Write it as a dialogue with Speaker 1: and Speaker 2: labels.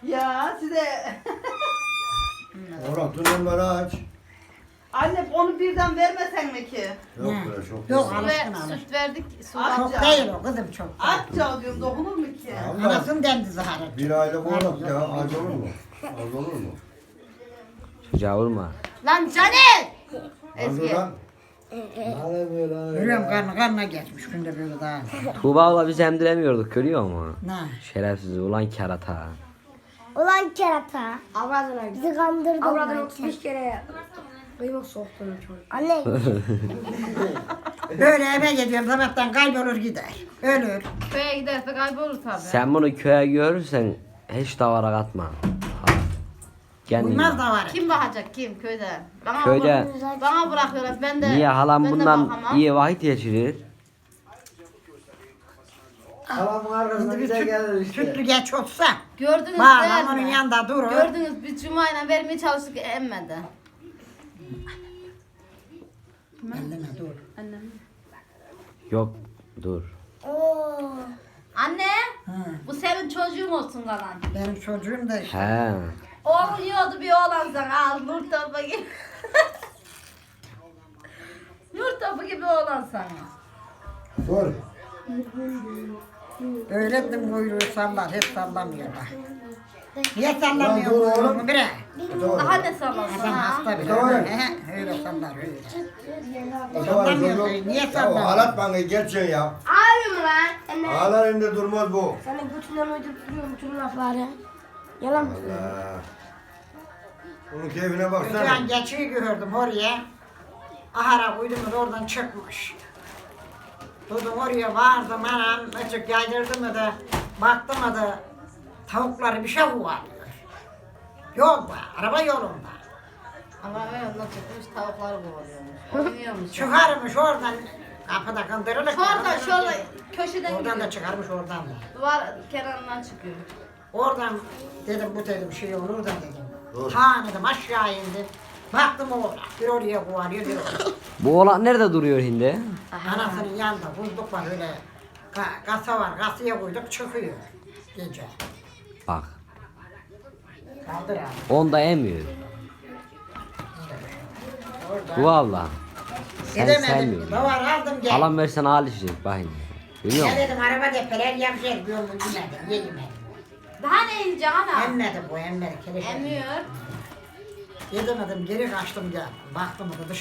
Speaker 1: Ya size...
Speaker 2: Orhan tünelleri aç.
Speaker 1: Anne onu birden vermesen mi ki?
Speaker 2: Yok
Speaker 3: Ne?
Speaker 2: be çok.
Speaker 3: Yok,
Speaker 2: yok.
Speaker 3: alışkın
Speaker 4: Ve
Speaker 3: alışkın.
Speaker 4: süt verdik. Su
Speaker 1: Aç.
Speaker 3: Çok
Speaker 1: Ya.
Speaker 3: değil o kızım çok.
Speaker 1: Atça diyorum dokunur mu ki?
Speaker 2: Allah.
Speaker 3: Anasının dendi zaharet.
Speaker 2: Bir aylık oğlak ya az olur mu? Az olur mu?
Speaker 5: Çocuğa vurma.
Speaker 4: Lan Caner!
Speaker 2: Az
Speaker 4: Ezgi.
Speaker 2: olan. Hadi böyle.
Speaker 3: Yürüyorum karnına geçmiş günde böyle daha.
Speaker 5: Tuğba'la biz emdiremiyorduk görüyor musun?
Speaker 3: Ne?
Speaker 5: Şerefsiz ulan kerata.
Speaker 6: Ulan kerata.
Speaker 7: Avradına
Speaker 6: Bizi kandırdın.
Speaker 7: Avradına
Speaker 6: lan.
Speaker 7: 35 kere kıyma soktun çocuk.
Speaker 6: Anne.
Speaker 3: Böyle eve gidiyorum sabahtan kaybolur gider. Ölür.
Speaker 4: Köye giderse kaybolur tabii.
Speaker 5: Sen bunu köye görürsen hiç davara katma. Ha. Kendin
Speaker 3: Uymaz
Speaker 5: bak.
Speaker 3: da var.
Speaker 4: Kim bakacak kim köyde? Bana
Speaker 5: Köyde
Speaker 4: bana bırakıyorlar ben de.
Speaker 5: niye halam
Speaker 4: ben de
Speaker 5: bundan
Speaker 4: bakamam.
Speaker 5: iyi vakit geçirir?
Speaker 8: Halamın arkasında
Speaker 3: Şimdi
Speaker 8: bize
Speaker 3: bir
Speaker 8: gelir işte.
Speaker 3: sütlü geç olsa.
Speaker 4: Gördünüz
Speaker 3: Bağlam
Speaker 4: değil
Speaker 3: onun
Speaker 4: mi?
Speaker 3: yanında durur.
Speaker 4: Gördünüz biz Cuma'yla vermeye çalıştık emmedi.
Speaker 3: Elleme dur.
Speaker 5: Yok dur.
Speaker 6: Oo.
Speaker 4: Anne
Speaker 3: Ha.
Speaker 4: bu senin çocuğun olsun kalan.
Speaker 3: Benim çocuğum da işte.
Speaker 5: He.
Speaker 4: Oğlum yiyordu bir oğlan sana al nur topu gibi. Nur topu gibi oğlan sana.
Speaker 2: Dur.
Speaker 3: Öğrettim kuyruğu sallar. Hiç sallamıyor bak. Niye
Speaker 2: Lan
Speaker 3: sallamıyor
Speaker 2: dur oğlum.
Speaker 3: kuyruğunu bre?
Speaker 4: Daha ne sallasın
Speaker 3: Adam
Speaker 4: ha?
Speaker 3: hasta bile.
Speaker 2: Tamam.
Speaker 3: He, öyle sallar öyle.
Speaker 2: Sallamıyor
Speaker 3: çocuk. Niye
Speaker 2: Ya
Speaker 3: sallamıyor?
Speaker 2: ağlat bana geçeceksin ya.
Speaker 6: Ağrıyor mu lan? Anne.
Speaker 2: Ağlar elinde durmaz bu.
Speaker 6: Sana götünden uydurup duruyorum bütün lafları. Yalan mı?
Speaker 2: Allah. Bunun keyfine baksana.
Speaker 3: Ötüyen geçiyi gördüm oraya. Ahara koydum da oradan çıkmış. Durdum oraya vardım anam. Açık yaydırdım da baktım da tavukları bir şey kovalıyor. Yolda, araba yolunda.
Speaker 4: Ama öyle çıkmış tavukları kovalıyormuş. Oynuyormuş.
Speaker 3: Çıkarmış oradan kapıda kandırılık.
Speaker 4: Şurada köşeden
Speaker 3: Oradan da
Speaker 4: gidiyor.
Speaker 3: çıkarmış oradan da.
Speaker 4: Duvar kenarından çıkıyor.
Speaker 3: Oradan dedim bu dedim şey olur da dedim.
Speaker 2: Dur.
Speaker 3: Ha dedim aşağı indim. Baktım oğlan. Bir oraya kovalıyor bir oraya.
Speaker 5: Bu oğlan nerede duruyor şimdi?
Speaker 3: Anasının yanında bulduk var öyle. Kasa var. Kasaya koyduk çıkıyor. Gece.
Speaker 5: Bak.
Speaker 3: Kaldır abi.
Speaker 5: Onda emiyor. Bu abla. Sen
Speaker 3: Gidemedim.
Speaker 5: sevmiyorsun.
Speaker 3: Davar aldım gel.
Speaker 5: Halam versen al işte bakayım. Biliyor
Speaker 3: Ya
Speaker 5: musun?
Speaker 3: dedim araba depeler yapacak. Bir yolunu yemedim. Yemedim.
Speaker 4: Daha ne yiyeceksin ana?
Speaker 3: Emmedi bu emmedi. Keleş
Speaker 4: Emiyor.
Speaker 3: yedemedim. Geri kaçtım geldim. Baktım da dışarı.